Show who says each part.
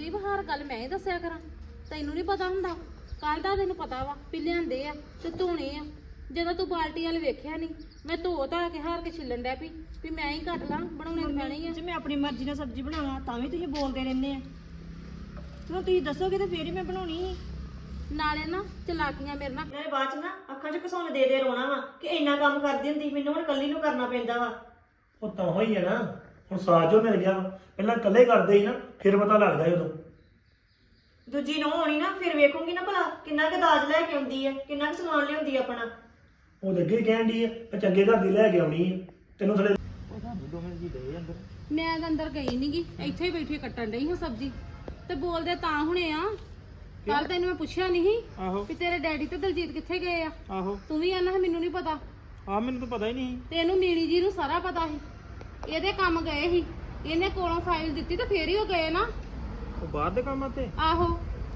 Speaker 1: ਸੰਦੀਪ ਹਰ ਗੱਲ ਮੈਂ ਹੀ ਦੱਸਿਆ ਕਰਾਂ, ਤੈਨੂੰ ਨਹੀਂ ਪਤਾ ਹੁੰਦਾ। ਕੱਲ ਦਾ ਤੈਨੂੰ ਪਤਾ ਵਾ ਵੀ ਲਿਆਂਦੇ ਆ ਤੇ ਧੋਣੇ ਆ। ਜਦੋਂ ਤੂੰ ਬਾਲਟੀ ਵਾਲ ਵੇਖਿਆ ਨਹੀਂ, ਮੈਂ ਧੋ ਧਾ ਕੇ ਹਾਰ ਕੇ ਛਿੱਲਣ ਡੈ ਪਈ ਵੀ ਮੈਂ ਹੀ ਕੱਟ ਲਾਂ, ਬਣਾਉਣੇ ਤਾਂ ਪੈਣੇ ਹੀ ਆ।
Speaker 2: ਜੇ ਮੈਂ ਆਪਣੀ ਮਰਜ਼ੀ ਨਾਲ ਸਬਜ਼ੀ ਬਣਾਵਾਂ ਤਾਂ ਵੀ ਤੁਸੀਂ ਬੋਲਦੇ ਰਹਿੰਦੇ ਆ। ਚਲੋ ਤੁਸੀਂ ਦੱਸੋਗੇ ਤਾਂ ਫੇਰ ਹੀ ਮੈਂ ਬਣਾਉਣੀ ਸੀ।
Speaker 1: ਨਾਲੇ ਨਾ ਚਲਾਕੀਆਂ ਮੇਰੇ ਨਾਲ
Speaker 2: ਨਾਲੇ ਬਾਅਦ ਚ ਨਾ ਅੱਖਾਂ 'ਚ ਘਸੌਣ ਦੇ ਦੇ ਰੋਣਾ ਵਾ ਕਿ ਇੰਨਾ ਕੰਮ ਕਰਦੀ ਹੁੰਦੀ, ਮੈਨੂੰ ਹੁਣ ਇਕੱਲੀ ਨੂੰ ਕਰਨਾ ਪੈਂਦਾ ਵਾ।
Speaker 3: ਉਹ ਤਾਂ ਹੋਈ ਹੈ ਨਾ, ਹੁਣ ਸਾਥ ਜੋ ਮਿਲ ਗਿਆ ਵਾ। ਪਹਿਲਾਂ ਇਕੱਲੇ ਕਰਦੇ ਸੀ ਨਾ, ਫਿਰ ਪਤਾ ਲੱਗਦਾ ਸੀ ਉਦੋਂ।
Speaker 2: ਦੂਜੀ ਨੂੰ ਹੋਣੀ ਨਾ, ਫਿਰ ਵੇਖੂੰਗੀ ਨਾ ਭਲਾ ਕਿੰਨਾ ਕੁ ਦਾਜ ਲੈ ਕੇ ਆਉਂਦੀ ਹੈ, ਕਿੰਨਾ ਕੁ ਸਮਾਨ ਲਿਆਉਂਦੀ ਆ ਆਪਣਾ।
Speaker 3: ਉਹ ਤਾਂ ਅੱਗੇ ਕਹਿਣ ਦੀ ਹੈ ਚੰਗੇ ਘਰ ਦੀ ਲੈ ਕੇ ਆਉਣੀ ਹੈ, ਤੈਨੂੰ ਥਲੇ
Speaker 1: ਮੈਂ ਤਾਂ ਅੰਦਰ ਗਈ ਨੀ ਗੀ, ਇੱਥੇ ਹੀ ਬੈਠੀ ਕੱਟਣ ਡਈ ਹਾਂ ਸਬਜ਼ੀ। ਤੇ ਬੋਲਦੇ ਤਾਂ ਹੁਣੇ ਆ, ਕੱਲ ਤੈਨੂੰ ਮੈਂ ਪੁੱਛਿਆ ਨਹੀਂ ਵੀ ਤੇਰੇ ਡੈਡੀ ਤੇ ਦਲਜੀਤ ਕਿੱਥੇ ਗਏ ਆ।
Speaker 4: ਆਹੋ
Speaker 1: ਤੂੰ ਵੀ ਆਨਾ ਮੈਨੂੰ ਨਹੀਂ ਪਤਾ।
Speaker 4: ਆ ਮੈਨੂੰ ਤਾਂ ਪਤਾ ਹੀ ਨਹੀਂ।
Speaker 1: ਤੇ ਇਹਨੂੰ ਮੀਣੀ ਜੀ ਨੂੰ ਸਾਰਾ ਪਤਾ ਸੀ, ਇਹਦੇ ਕੰਮ ਗਏ ਸੀ, ਇਹਨੇ ਕੋਲੋਂ ਫਾਈਲ ਦਿੱਤੀ ਤੇ ਫੇਰ ਹੀ ਉਹ ਗਏ ਨਾ।
Speaker 4: ਉਹ ਬਾਹਰ ਦੇ ਕੰਮ ਤੇ
Speaker 1: ਆਹੋ